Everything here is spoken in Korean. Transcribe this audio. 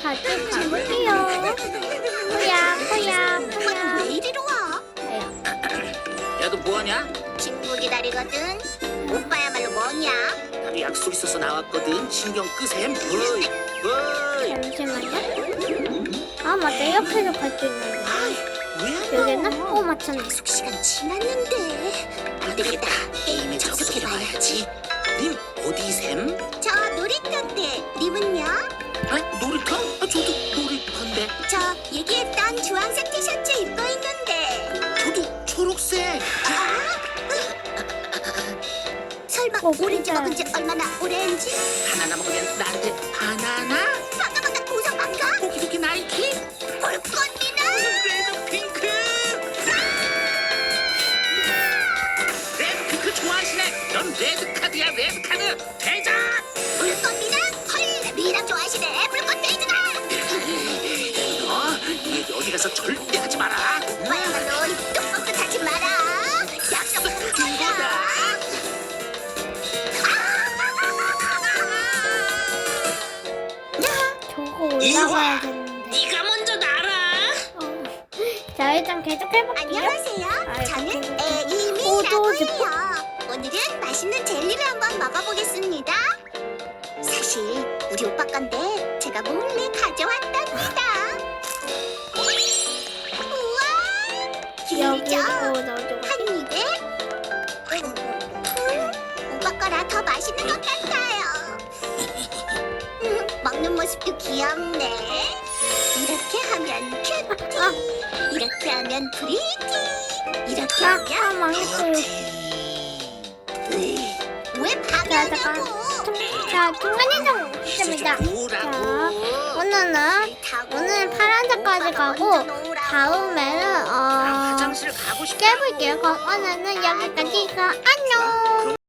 같이 가볼게요. 뭐야. 왜 이리로 와? 야, 너 뭐하냐? 친구 기다리거든. 오빠야말로 뭐냐? 나도 약속 있어서 나왔거든. 신경 끄셈. 어이. 잠시만요. 아, 맞다. 이렇게도 갈 수 있는데. 왜? 여기나? 맞췄네. 약속 시간 지났는데. 안 되겠다. 게임에 접속해봐야지. 님 어디셈? 저 놀이터인데 님은요? 아, 놀이터? 아, 저도 놀이터인데. 저 얘기했던 주황색 티셔츠 입고 있는데. 저도 초록색. 설마 오렌지 진짜. 먹은 지 얼마나 오렌지? 바나나 먹으면 나한테 바나나? 반가 우선 반가? 오키도키 나이키? 볼꽃미나? 레드 핑크? 레드 핑크 좋아하시네. 넌 레드 카드야, 레드 카드. 대장! 볼꽃미나? 헐 미남 좋아하시네. 물꽃 데이즈다. 너 이 얘기 어디 가서 절대 하지 마라. 오빠야말로 뚝뚝뚝 하지 마라. 약속한 거야. 저거 올라가야겠는데. 네가 먼저 날아. 자, 일단 계속 해볼게요. 안녕하세요. 저는 포도 에이미라고 즙. 해요. 오늘은 맛있는 젤리를 한번 먹어보겠습니다. 사실 우리 오빠 건데 제가 몰래 가져왔답니다. 우와, 여기 길죠? 넣어줘. 한 입에. 오빠 거라 더 맛있는 것 같아요. 먹는 모습도 귀엽네. 이렇게 하면 큐티, 이렇게 하면 프리티, 이렇게 하면 망했어요. 왜 자, 방해하냐고. 자, 중간이동 했습니다. 자, 오늘은 파란색까지 가고, 다음에는, 화장실 가고 싶어. 깨볼게요. 그럼 오늘은 여기까지. 안녕!